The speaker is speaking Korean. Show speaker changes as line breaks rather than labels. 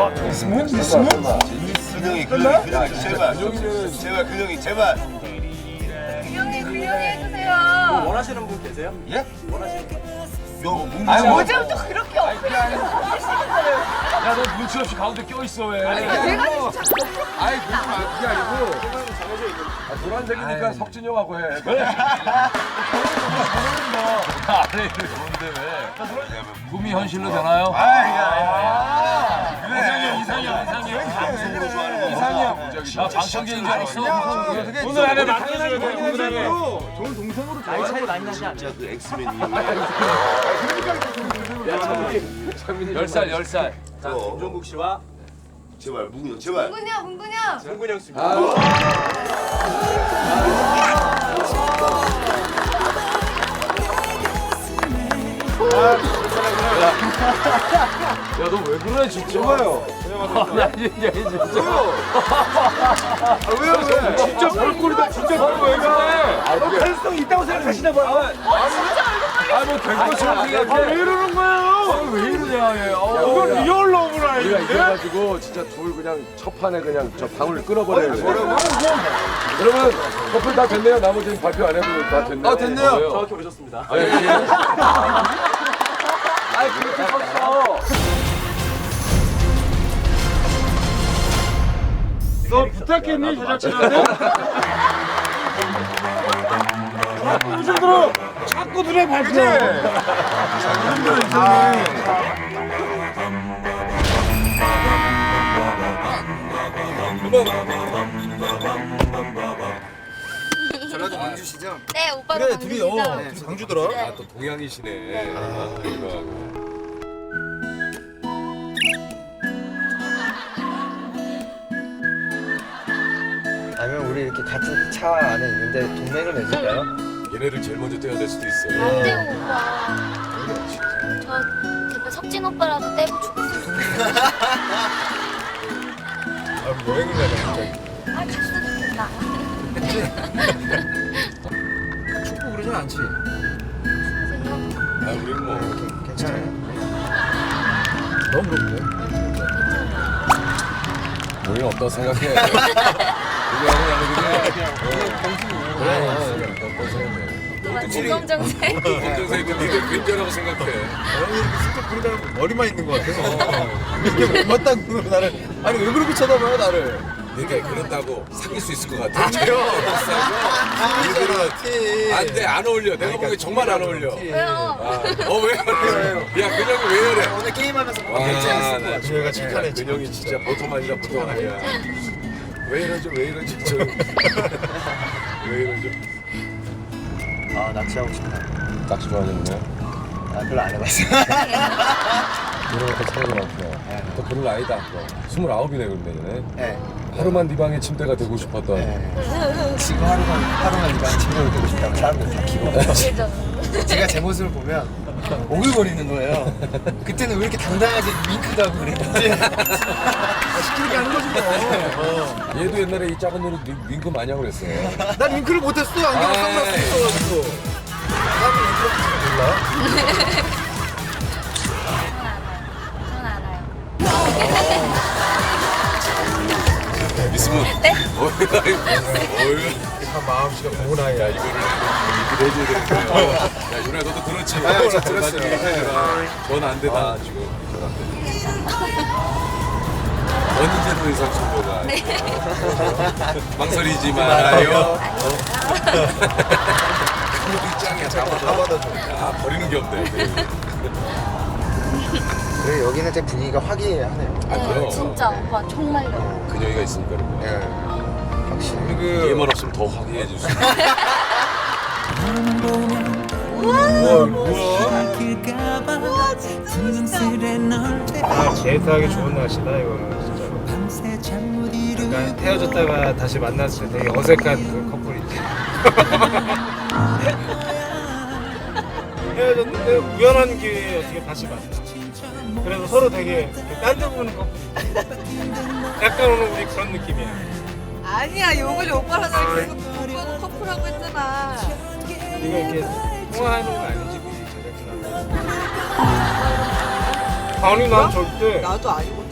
근영이 제발 근영이 제발.
근영이 해주세요.
원하시는 분 계세요?
예?
원하시는 분?
어제부터 그렇게 엎드려.
야, 너 눈치 없이 가운데 껴있어, 왜?
내가 진짜
아이, 그게 아니고. 노란색이니까 석진이 형하고 해. 아래 좋은데 왜? 꿈이 현실로 되나요? 이상형.
방송으로 좋아하는 거.
이상형. 나 방청객인 줄 알았어.
오늘 안에 맡겨줘야 돼. 오늘 안에.
좋은 동생으로
나이 차이 많이 나지 않냐?
진짜 그 엑스맨이.
10살.
자, 김종국 씨와
제발 문근영 제발.
문근영.
문근영 씨입니다.
야, 너 왜 그래, 진짜? 좋아요. 야, 진짜.
왜요?
진짜 별꼴이다, 진짜 별꼴 왜 그래?
너 가능성 있다고 생각하시나 봐요.
뭐 될 것처럼 생각해.
왜 이러는 거예요?
왜 이러냐, 얘.
이건 리얼 러브라
우리가
이게.
이겨가지고 진짜 둘 그냥 첫 판에 그냥 저 방울 끊어버려야 돼. 여러분 커플 다 됐네요. 나머지는 발표 안 해도 다 됐네요.
됐네요.
정확히 오셨습니다.
아니, 그렇게 컸어.
너 부탁했니 제작진한테? 요즘 들어 자꾸 눈에 밟혀. 요즘 들어 이상해.
전라도 광주시죠?
네, 오빠도 강주시죠?
둘이 광주더라.
네.
또 동양이시네. 아, 이거.
아니면 우리 이렇게 같은 차 안에 있는데 동맹을 맺을까요?
얘네를 제일 먼저 떼야 될 수도 있어.
안 떼고 오빠. 저 제발 석진 오빠라도 떼고 죽었으면
아, 여행을 가자 갑자기.
아, 갔으면 좋겠다.
축구 그러진 않지?
선생님,
아, 우리는 뭐
괜찮아요?
너무 그렇네. 우리는 어떻다 생각해? 우리 하는
오빠 중검정색.
검정색은 니들 괜찮다고 생각해.
진짜 부르다가 머리만 있는 것 같아. 이게 못맞다고 나를. 아니 왜 그렇게 쳐다봐요 나를?
그러니까 그런다고 사귈 수 있을 것 같아. 니들은 안돼 안 어울려. 내가 보기엔 정말 안 어울려.
왜요?
왜? 야 근영이 왜 이래?
오늘 게임하면서
나
저희가 착하네.
근영이 진짜 보통 아니라 보통 아니야. 왜 이러죠? 왜 이러죠? 왜 이러죠?
아 낚시하고 싶다.
낚시 좋아하셨네.
아 별로 안 해봤어.
이런 것도 차이가 많구나. 또 그런 나이다. 29이네 그런데
네.
하루만 네 방에 침대가 되고 싶었던.
지금 하루만 이방 침대를 되고 싶다고 사람들 다 기고.
그죠?
제가 제 모습을 보면 오글거리는 거예요. 그때는 왜 이렇게 당당하게 윙크도 하고 그랬는지.
시키게 하는 거지 뭐.
얘도 옛날에 이 작은 노래 윙크 많이 하고 그랬어.
난 윙크를 못했어. 안경을 선글라스 있어가지고. 나는 윙크를 몰라.
전 알아요.
있으면.
네?
참 마음씨가 고운 아이야.
야 이거를 해줘야 되는데. 야 유나 너도 들었지?
아, 저 들었어요.
전안 되다 지금. 전안 돼. 언제도 이상 정보가. 망설이지 말아요. 그것도 짱이야. 잡아줘. 야 버리는 게 없네.
그래 여기는 제 분위기가 화기애애하네요.
아 그럼.
네, 진짜 오빠 정말요.
그녀가 있으니까 그런 거야.
예. 확실히.
얘만 없으면 더 화기애애해질 수 있어.
아 데이트하기 좋은 날씨다 이거는 진짜로. 약간 헤어졌다가 다시 만났을 때 되게 어색한 그 커플이지. 헤어졌는데 우연한 기회에 어떻게 다시 만나. 그래서 서로 되게 딴 데 보는 커플. 약간 오늘 우리 그런 느낌이야.
아니야, 요번에 오빠랑 나 계속 오빠가 커플하고 했잖아.
이거 이렇게 통화하는 거 아니지, 우리 제작진하고. 아니 난 절대
나도 아니고